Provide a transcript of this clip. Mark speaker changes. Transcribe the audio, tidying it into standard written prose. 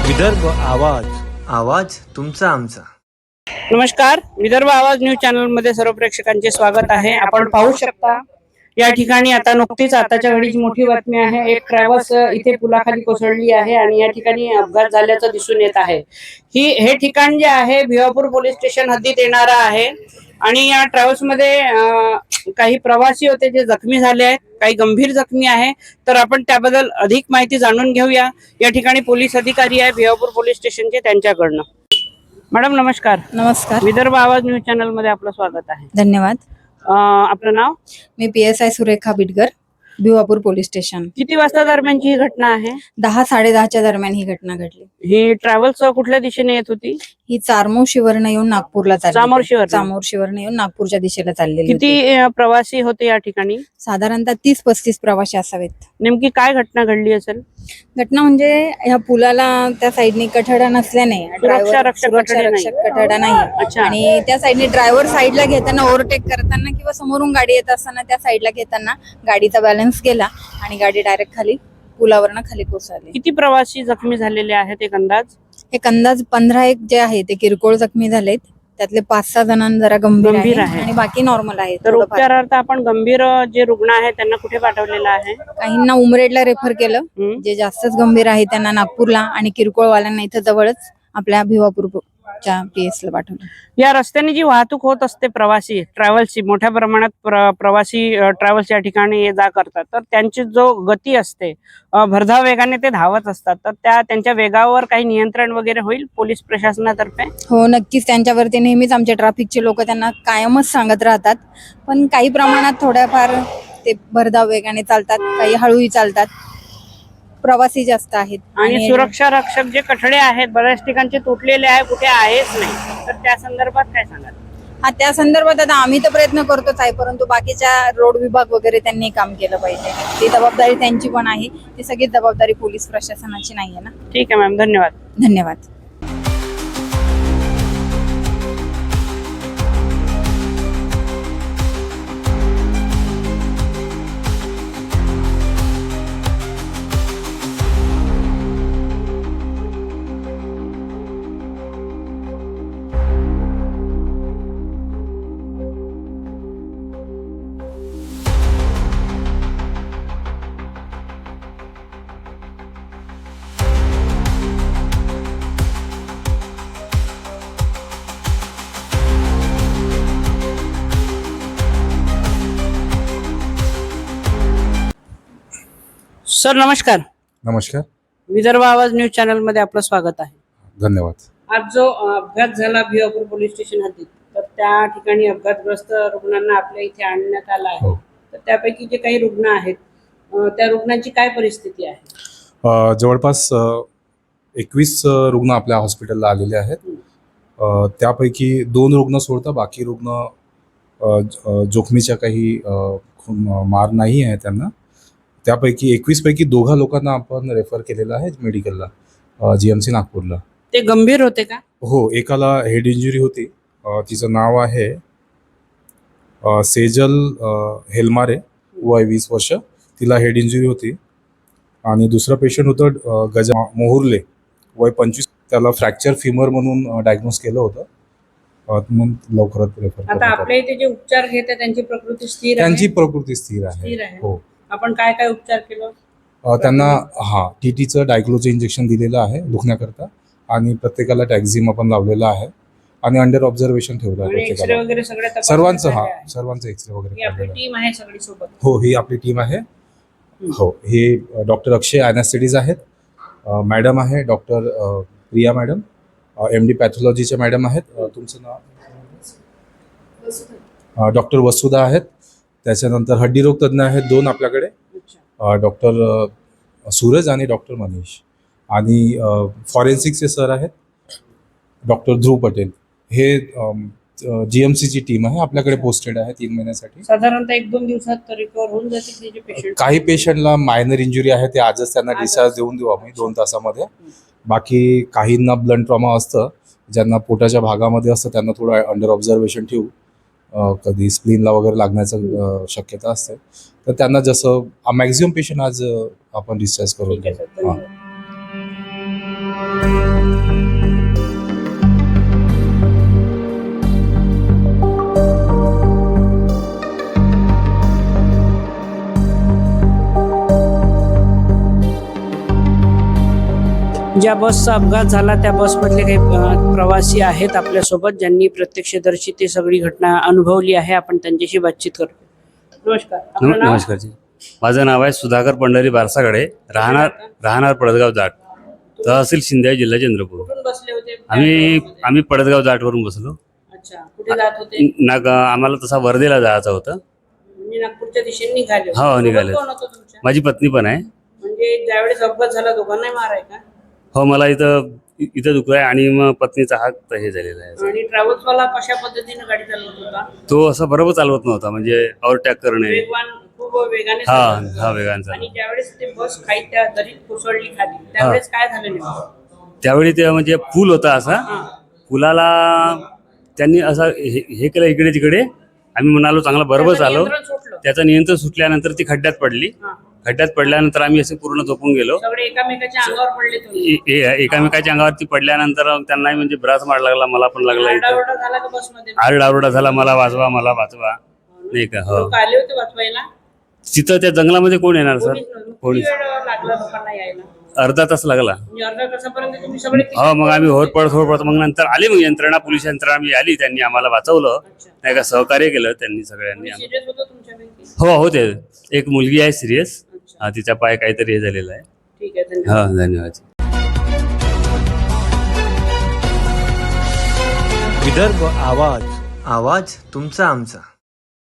Speaker 1: विदर्भ आवाज, आवाज तुमचा आमचा.
Speaker 2: नमस्कार, विदर्भ आवाज न्यूज चॅनल मध्ये सर्व प्रेक्षकांचे स्वागत आहे. आपण पाहू शकता या ठिकाणी आता नुकतीच आताच्या घडीची मोठी बातमी आहे. एक ट्रॅव्हल्स इथे पुलाखाली कोसळली आहे आणि या ठिकाणी अपघात झाल्याचं दिसून येत आहे. हे ठिकाण जे आहे भिवापूर पोलीस स्टेशन हद्दीत येणारा आहे आणि या ट्रॅव्हल्स मध्ये काही प्रवासी होते जे जखमी झाले आहेत, काही गंभीर जखमी आहे. तर आपण त्याबद्दल अधिक माहिती जाणून घेऊया. या ठिकाणी पोलीस अधिकारी आहे भिवापूर पोलीस स्टेशनचे, त्यांच्याकडनं. मॅडम नमस्कार.
Speaker 3: नमस्कार.
Speaker 2: विदर्भ आवाज न्यूज चॅनल मध्ये आपलं स्वागत आहे.
Speaker 3: धन्यवाद.
Speaker 2: आपलं नाव?
Speaker 3: मी PSI Surekha Bidgar, Bhiwapur police station.
Speaker 2: किती वाजता दरम्यानची ही घटना आहे?
Speaker 3: 10-10:30च्या दरम्यान ही घटना घडली.
Speaker 2: ही ट्रॅव्हल्स कुठल्या दिशेने येत होती?
Speaker 3: ही चामोर्शीवरनं येऊन नागपूरला चामोर्शीवरनं येऊन नागपूरच्या दिशेला चाललेली.
Speaker 2: किती प्रवासी होते या ठिकाणी?
Speaker 3: साधारणतः 30-35 प्रवासी असावेत.
Speaker 2: नेमकी काय घटना घडली असेल?
Speaker 3: घटना म्हणजे ह्या पुलाला त्या साईडने कठडा नसल्याने
Speaker 2: सुरक्षा रक्षक
Speaker 3: कठडा नाही आणि त्या साईडने ड्रायव्हर साईडला घेताना, ओव्हरटेक करताना किंवा समोरून गाडी येत असताना त्या साईडला घेताना गाडीचा बॅलन्स गेला आणि गाडी डायरेक्ट खाली पुलावरनं खाली कोसळली.
Speaker 2: किती प्रवासी जखमी झालेले आहेत एक अंदाज?
Speaker 3: एक अंदाज 15 जे आहे ते किरकोळ जखमी झालेत. त्यातले 5-6 जणांना जरा गंभीर आहे आणि बाकी नॉर्मल आहे.
Speaker 2: तर उपचारार्थ आपण गंभीर जे रुग्ण आहेत त्यांना कुठे पाठवलेलं आहे?
Speaker 3: काहींना उमरेडला रेफर केलं, जे जास्तच गंभीर आहे त्यांना नागपूरला, आणि किरकोळवाल्यांना इथं जवळच आपल्या भिवापूरच्या PS ला पाठवलं.
Speaker 2: या रस्त्याने जी वाहतूक होत असते प्रवासी ट्रॅव्हल्सची, मोठ्या प्रमाणात प्रवासी ट्रॅव्हल्स या ठिकाणी ये जा करतात, तर त्यांची जो गती असते भरधाव वेगाने ते धावत असतात, तर त्यांच्या वेगावर काही नियंत्रण वगैरे होईल पोलीस प्रशासनातर्फे?
Speaker 3: हो, नक्कीच. त्यांच्यावरती नेहमीच आमचे ट्रॅफिकचे लोक त्यांना कायमच सांगत राहतात. पण काही प्रमाणात थोड्याफार ते भरधाव वेगाने चालतात, काही हळूही चालतात. प्रवासी जास्त आहेत
Speaker 2: आणि सुरक्षा रक्षक जे कठडे आहेत बऱ्याच ठिकाणचे तुटलेले आहे, कुठे आहेच नाही, तर त्या संदर्भात काय सांगाल?
Speaker 3: हा, त्या संदर्भात आता आम्ही तर प्रयत्न करतोच आहे, परंतु बाकीच्या रोड विभाग वगैरे त्यांनी काम केलं पाहिजे. ती जबाबदारी त्यांची पण आहे, ती सगळी जबाबदारी पोलीस प्रशासनाची नाहीये ना.
Speaker 2: ठीक आहे मॅम, धन्यवाद.
Speaker 3: धन्यवाद.
Speaker 2: सर नमस्कार.
Speaker 4: नमस्कार.
Speaker 2: विदर्भ आवाज न्यूज चॅनल मध्ये आपलं स्वागत आहे.
Speaker 4: धन्यवाद.
Speaker 2: आज जो अपघात झाला भिवापूर पोलीस स्टेशन हद्दीत, तर त्या ठिकाणी अपघातग्रस्त रुग्णांना आपल्या इथे आणण्यात आलं आहे. तर त्यापैकी जे काही रुग्ण आहेत त्या रुग्णांची काय परिस्थिती आहे?
Speaker 4: जवळपास 21 रुग्ण आपल्या हॉस्पिटलला आलेले आहेत. त्यापैकी 2 रुग्ण सोडता बाकी रुग्ण जोखमीच्या काही मार नाही आहे त्यांना. त्यापैकी 21 पैकी 2 लोकांना आपण रेफर केलेलं आहे मेडिकलला, GMC नागपूरला.
Speaker 2: ते गंभीर होते का?
Speaker 4: हो, एकाला हेड इंजुरी होती. तिचं नाव आहे सेजल हेलमारे, वय 20 वर्ष. तिला हेड इंजुरी होती. आणि दुसरं पेशंट होतं गजा मोहुर्ले, वय 25. त्याला फ्रॅक्चर फिमर म्हणून डायग्नोज केलं होतं. मग लवकरात रेफर.
Speaker 2: आता आपल्या इथे जे उपचार घेतात त्यांची प्रकृती स्थिर आहे?
Speaker 4: त्यांची प्रकृती स्थिर आहे. हो.
Speaker 2: आपण काय काय उपचार केलं
Speaker 4: त्यांना? TTचं डायक्लोचं इंजेक्शन दिलेलं आहे दुखण्याकरता, आणि प्रत्येकाला टॅक्झिम आपण लावलेला आहे आणि अंडर ऑब्झर्वेशन ठेवलं आहे प्रत्येकाला. सर्वांचं एक्सरे वगैरे.
Speaker 2: आपली टीम आहे सगळी सोबत?
Speaker 4: हो, ही आपली टीम आहे. हो, हे डॉक्टर अक्षय ॲनेस्थेटिस्ट आहेत. मॅडम आहे डॉक्टर प्रिया मॅडम, MD पॅथॉलॉजीच्या मॅडम आहेत. तुमचं नाव? डॉक्टर वसुधा आहेत. त्याच्यानंतर हड्डीरोग तज्ज्ञ आहेत 2 आपल्याकडे, डॉक्टर सूरज आणि डॉक्टर मनीष. आणि फॉरेन्सिकचे सर आहेत डॉक्टर ध्रुव पटेल. हे GMCची टीम आहे, आपल्याकडे पोस्टेड आहे 3 महिन्यासाठी.
Speaker 2: साधारणतः 1-2 दिवसात रिकवर होऊन जातील पेशंट?
Speaker 4: काही पेशंटला मायनर इंजुरी आहे, ते आजच त्यांना डिस्चार्ज देऊन देऊ आम्ही 2 तासामध्ये. बाकी काहींना ब्लड ट्रॉमा असतं, ज्यांना पोटाच्या भागामध्ये असतं त्यांना थोडं अंडर ऑब्झर्वेशन ठेवू. कधी स्प्लीनला वगैरे लागण्याचं शक्यता असते, तर त्यांना जसं मॅक्झिमम पेशंट आज आपण डिस्चार्ज करून.
Speaker 2: ज्या बसचा अपघात झाला त्या बसमधले काही प्रवासी आहेत आपल्यासोबत, ज्यांनी प्रत्यक्षदर्शी ती सगळी घटना अनुभवली आहे. आपण त्यांच्याशी बातचीत करू. नमस्कार, आपलं नाव?
Speaker 5: नमस्कार जी, माझं नाव आहे सुधाकर पंढरी बारसागडे, राहणार पडदगाव जाट, तहसील शिंदे, जिल्हा चंद्रपूर.
Speaker 2: कुठून बसले होते?
Speaker 5: आम्ही पडदगाव जाटवरून बसलो.
Speaker 2: अच्छा, कुठे जात होते?
Speaker 5: आम्हाला तसा वर्धेला जायचं होतं.
Speaker 2: म्हणजे नागपूरच्या दिशेने निघाले होते.
Speaker 5: हो, निघाले.
Speaker 2: कोण होतं तुमच्या?
Speaker 5: माझी पत्नी पण आहे.
Speaker 2: म्हणजे ज्यावेळेस अपघात झाला दोघांनाही मार आहे का?
Speaker 5: हो, मला इथं दुखलं आहे आणि मग पत्नीचा हात हे झालेला आहे.
Speaker 2: आणि ट्रॅव्हल्स वाला कशा पद्धतीने गाडी चालवत होता?
Speaker 5: तो असं बरोबर चालवत नव्हता, म्हणजे ओव्हरटॅक करणे.
Speaker 2: वेगवान, खूप वेगाने
Speaker 5: हा
Speaker 2: चालवत
Speaker 5: हा
Speaker 2: होता.
Speaker 5: वेगाने
Speaker 2: आणि
Speaker 5: चालवत.
Speaker 2: ज्यावेळेस ते बस खाली त्या दरीत कोसळली खाली, त्यावेळेस काय झालं नेमकं?
Speaker 5: त्यावेळी ते म्हणजे पूल होता असा,
Speaker 2: हा.
Speaker 5: पुलाला त्यांनी असं हे केलं इकडे तिकडे. आम्ही म्हणालो चांगला बरोबर
Speaker 2: त्याचं
Speaker 5: चालव.
Speaker 2: नियंत्रण सुटलं.
Speaker 5: त्याचं नियंत्रण सुटल्यानंतर ती खड्ड्यात पडली.
Speaker 2: हा.
Speaker 5: खड्ड्यात पडल्यानंतर आम्ही असे पूर्ण झोपून गेलो.
Speaker 2: सगळे एकामेकाच्या अंगावर पडले तुम्ही.
Speaker 5: एकामेकाच्या अंगावरती पडल्यानंतर त्यांनाही म्हणजे ब्रास मार लागला, मला पण लागला. इथं
Speaker 2: आरडाओरडा झाला का बसमध्ये?
Speaker 5: आरडाओरडा झाला, मला वाचवा नाही का. हो,
Speaker 2: लोक आले होते वाचवायला?
Speaker 5: तिथं त्या जंगलामध्ये कोण येणार सर?
Speaker 2: कोणीच नव्हतं.
Speaker 5: कोणीच.
Speaker 2: किती वेळ लागला लोकांना यायला?
Speaker 5: अर्धा तास लागला.
Speaker 2: म्हणजे अर्ध्या तासापर्यंत तुम्ही सगळे
Speaker 5: हो, मग आम्ही होरपळत मग नंतर आली, मग यंत्रणा, पोलीस यंत्रणा आम्ही आली. त्यांनी आम्हाला वाचवलं,
Speaker 2: अच्छा.
Speaker 5: नाही का, सहकार्य केलं त्यांनी सगळ्यांनी.
Speaker 2: सिरियस होतं तुमच्यापैकी?
Speaker 5: हो होते. एक मुलगी आहे सिरियस.
Speaker 2: अच्छा.
Speaker 5: हा, तिचा पाय काहीतरी हे झालेला आहे.
Speaker 2: ठीक आहे, धन्यवाद.
Speaker 5: हा, धन्यवाद.
Speaker 1: विदर्भ आवाज, आवाज तुमचा आमचा.